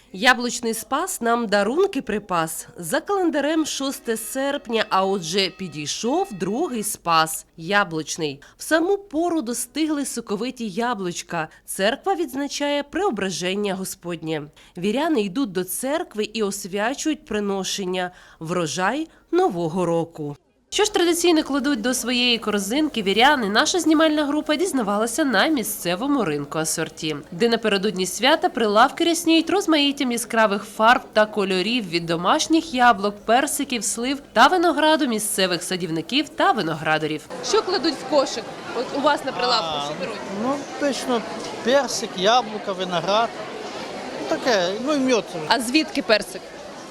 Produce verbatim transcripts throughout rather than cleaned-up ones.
Яблучний спас нам дарунки припас. За календарем шосте серпня, а отже підійшов другий спас – яблучний. В саму пору достигли соковиті яблучка. Церква відзначає преображення Господнє. Віряни йдуть до церкви і освячують приношення – врожай Нового року. Що ж традиційно кладуть до своєї корзинки віряни, наша знімальна група дізнавалася на місцевому ринку асорті, де напередодні свята прилавки рясніють розмаїттям яскравих фарб та кольорів від домашніх яблук, персиків, слив та винограду місцевих садівників та виноградарів. Що кладуть в кошик? От у вас на прилавку що беруть? Ну, точно, персик, яблука, виноград. Ну, таке, ну і мед. А звідки персик?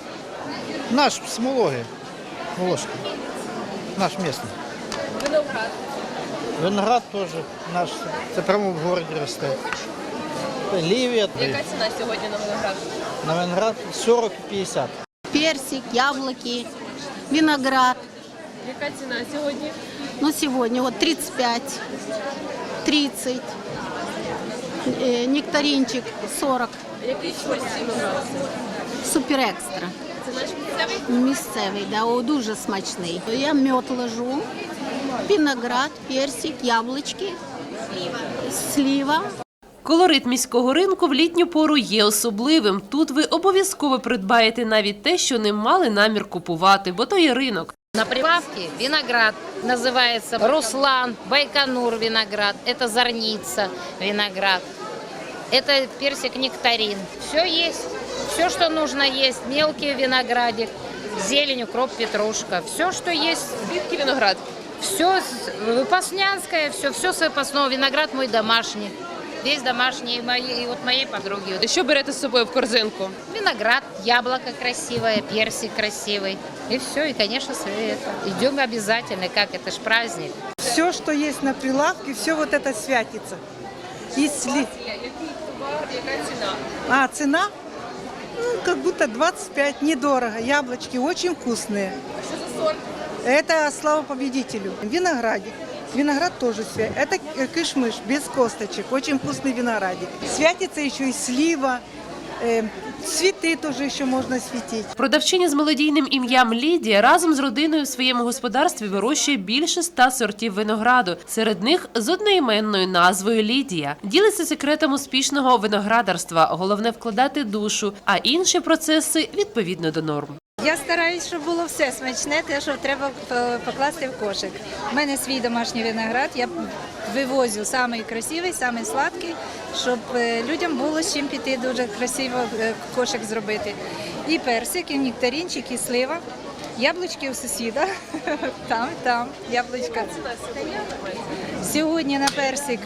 Наш Смологи, Волошки. Наш місний. Виноград. Виноград теж наш, це прямо в городі росте. Лівія. Яка ціна сьогодні на виноград? На виноград сорок і п'ятдесят. Персик, яблоки, виноград. Яка ціна сьогодні? Ну, сегодня вот тридцать пять, тридцать, э, нектаринчик сорок, Який сорт винограду? супер екстра. Це наш місцевий? Місцевий, да, о, дуже смачний. Я мед ложу, виноград, персик, яблучки, слива. Колорит міського ринку в літню пору є особливим. Тут ви обов'язково придбаєте навіть те, що не мали намір купувати, бо то є ринок. На прилавке виноград, называется Руслан, Байконур виноград, это Зорница виноград, это персик нектарин. Все есть, все, что нужно есть, мелкий виноградик, зелень, укроп, петрушка, все, что есть. Звідки виноград? Все выпаснянское, все, все с выпасного, виноград мой домашний. Весь домашний, и, моей, и вот моей подруги. Що берете з собою в корзинку? Виноград, яблоко красивое, персик красивый. И все, и, конечно, это. Идем обязательно, как это ж праздник. Все, что есть на прилавке, все вот это святится. Если... Який товар, яка ціна? А, цена? Ну, как будто двадцать пять, недорого. Яблочки очень вкусные. А що за сорт? Это слава победителю. Виноградик. Виноград тоже свят. Это киш-мыш, без косточек. Очень вкусный виноградик. Святится еще и слива. Э, цветы тоже еще можно светить. Продавчиня з мелодійним ім'ям Лідія разом з родиною в своєму господарстві вирощує більше ста сортів винограду. Серед них з одноіменною назвою Лідія. Ділиться секретом успішного виноградарства. Головне – вкладати душу, а інші процеси – відповідно до норм. Я стараюсь, щоб було все смачне, те, що треба покласти в кошик. У мене свій домашній виноград, я вивозю самий красивий, самий сладкий, щоб людям було з чим піти, дуже красиво кошик зробити. І персик, і нектаринчик, і слива. Яблучки у сусіда, там, там, яблучка. Сьогодні на персик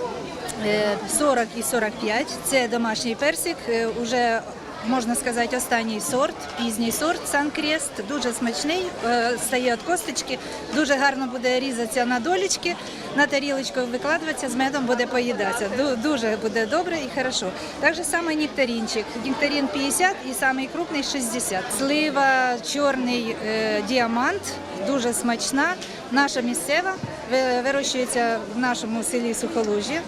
сорок і сорок п'ять, це домашній персик, уже можна сказати, останній сорт, пізній сорт Сан-Крест, дуже смачний, стає від косточки, дуже гарно буде різатися на долічки, на тарілочку викладатися, з медом буде поїдатися. Дуже буде добре і хорошо. Так же саме нектаринчик. Нектарин п'ятдесят і самий крупний шістдесят. Слива, чорний е, діамант, дуже смачна, наша місцева, вирощується в нашому селі Сухолужжя.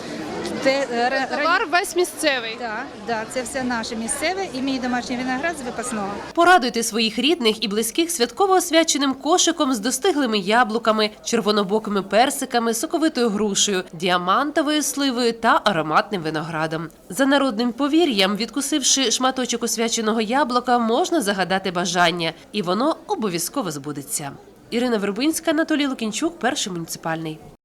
Товар весь місцевий. Так, да, це все наше місцеве і мій домашній виноград з випасного. Порадуйте своїх рідних і близьких святково освяченим кошиком з достиглими яблуками, червонобокими персиками, соковитою грушею, діамантовою сливою та ароматним виноградом. За народним повір'ям, відкусивши шматочок освяченого яблука, можна загадати бажання, і воно обов'язково збудеться. Ірина Вербинська, Анатолій Лукінчук, Перший муніципальний.